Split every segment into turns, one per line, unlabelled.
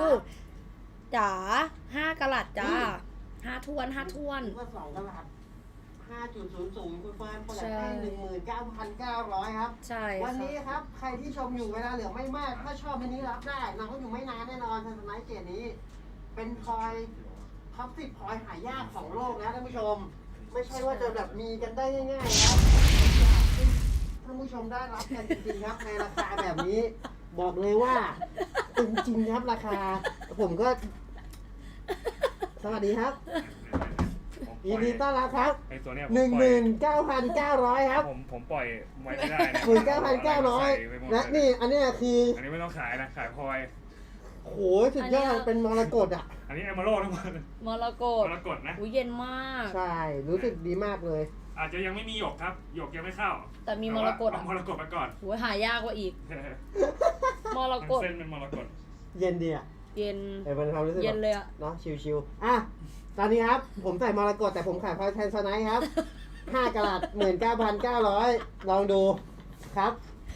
จ๋า5 กะรัตจ้า5 ถ้วน
ว่า2 กะรัต5.00คุณเฟิร์นเปิดให้ 19,900 ครับ
ใช่
วันนี้ครับใครที่ชมอยู่เวลาเหลือไม่มากถ้าชอบอันนี้รับได้น้องก็อยู่ไม่นานแน่นอนทันสมัยเกตนี้เป็นพลอยท็อป10พลอยหายากของโลกนะท่านผู้ชมไม่ใช่ว่าจะแบบมีกันได้ง่ายๆครับท่านผู้ชมได้รับกันจริงๆครับในราคาแบบนี้บอกเลยว่าจริงๆครับราคาผมก็สวัสดีครับยินดีต้อนรับครับ
ไอ้ตัวเนี้ย
19,900 ครับ
ผมปล่อยไว้ไม่ได้นะ
19,900และนี่อันนี้คือ
อันนี้ไม่ต้องขายนะขายพลอย
โหสุดยอดเป็นมรกตอ่ะ
อันนี้เอมเมอรัลด์ทั้งหมด
มรกต
นะ
เย็นมาก
ใช่รู้สึกดีมากเลย
อาจจะยังไม่มีหยกครับหยกยังไม่เข้า
แต่มีมรกต
มรกตไปก่อน
โหหายากกว่าอีกมรกต
เส้นเป็นมรกต
เย็นดีอ่ะ
เย็น
เป็นความรู้สึก
เย็นเลยอ่ะ
เนาะชิวๆอ่ะตอนนี้ครับผมใส่มรกตแต่ผมขายพลอยแทนสไนท์ครับ5 กะรัต 19,900 ลองดูครับ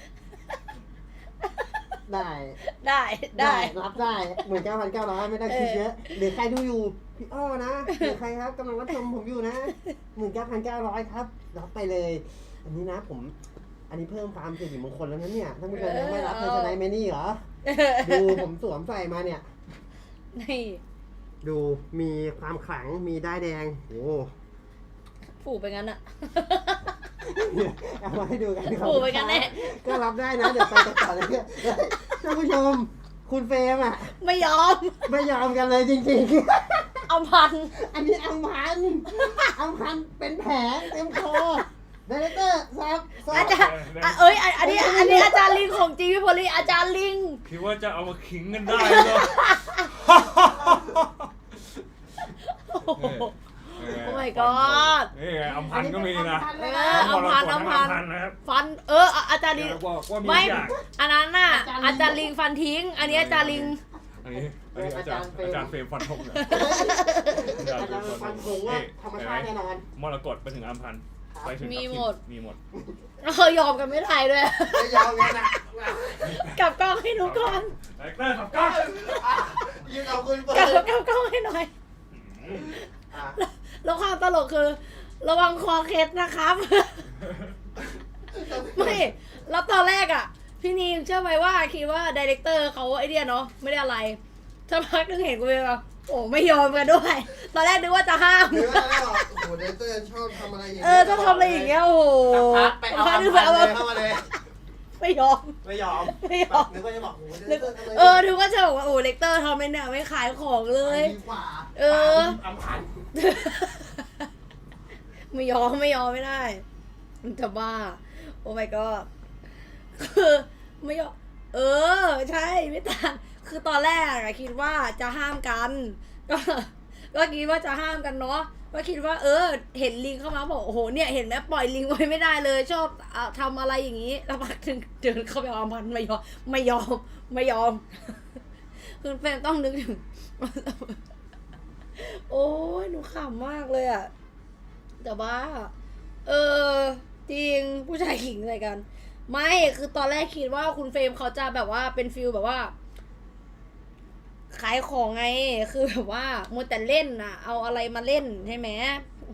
ได้รับได้ 19,900 ไม่ได้คิดเยอะหรือใครดูอยู่พี่อ้อนะหรือใครครับกำลังรับชมผมอยู่นะ 19,900 ครับรับไปเลยอันนี้นะอันนี้เพิ่มความสิริมงคลแล้วนะเนี่ยท่านผู้ชมยังไม่รับเทอร์ชไนท์เมนี่เหรอดูผมสวมใส่มาเนี่ย
นี่
ดูมีความขลังมีด้ายแดงโอ้
ผูกไปงั้นอะ
เอามาให้ดูกัน
ผูกไปกันแน่
ก็รับได้นะเดี๋ยวไปต่อเลยท่านผู้ชมคุณเฟรมอ่ะ
ไม่ยอม
กันเลยจริง
ๆอัมพัน
อันนี้อัมพันเป็นแผลเต็มคอไดเรคเตอร์ครับ
อาจารย์อันนี้อาจารย์ลิงของจริงพี่โพลีอาจารย์ลิง
คิดว่าจะเอามาขิงกันได้เหรอ
โอ้ my god
นี่ไงอัมพันก็มีนะ
อัมพัน
นะครับ
ฟันอาจารย์ลิงไม่อันนั้นน่ะอาจารย์ลิงฟันทิ้งอันนี้อาจารย์ลิง
อันนี้อาจารย์เฟรมฟันธงเลย
อาจารย์ฟันธงว่าธรรมชาติแน่นอน
มรกตไปถึงอัมพันไปถึงมีหมด
ยอมกันไม่ได้ด้วย
ยอมกันนะ
กลับกล้องให้หนูก่อน
กลับกล้อง
ยืนเอาคุณเปิด
กลับกล้องให้หน่อยแล้วความตลกคือระวังคอเคสนะครับไม่แล้วตอนแรกอ่ะพี่นีเชื่อไหมว่าคิดว่าไดเรคเตอร์เขาไอเดียเนาะไม่ได้อะไรสักพักนึงเห็นกูเลยว่าโอ้ไม่ยอมกันด้วยตอนแรกนึกว่าจะห้าม
โอ้โหไดเรคเตอร์ชอบทำอะไรอย่างเงี้ย
ชอบทำอะไรอย่างเงี้ยโอ้โห
ไปเอาพันเลยเข้ามาเลย
ไม่ยอม
นึกว่าจะบอก
นึกว่าจะบอกว่าโอ้เลคเตอร์ทำไมเนี่ยไม่ขายของเลย
อัมพัน
ไม่ยอมไม่ได้มันจะบ้าโอ้ my god คือไม่ยอมใช่ไม่ต่างคือตอนแรกอะคิดว่าจะห้ามกันก็คิดว่าจะห้ามกันเนาะก็คิดว่าเห็นลิงเข้ามาบอกโอ้โหเนี่ยเห็นไหมปล่อยลิงไว้ไม่ได้เลยชอบทำอะไรอย่างนี้แล้วพักถึงเดินเข้าไปเอามันไม่ยอมคุณแฟนต้องนึกถึงโอ้ยหนูขำมากเลยอะแต่ว่าจริงผู้ชายขิงใส่กันไม่คือตอนแรกคิดว่าคุณเฟรมเขาจะแบบว่าเป็นฟิลแบบว่าขายของไงคือแบบว่ามัวแต่เล่นน่ะเอาอะไรมาเล่นใช่ไหม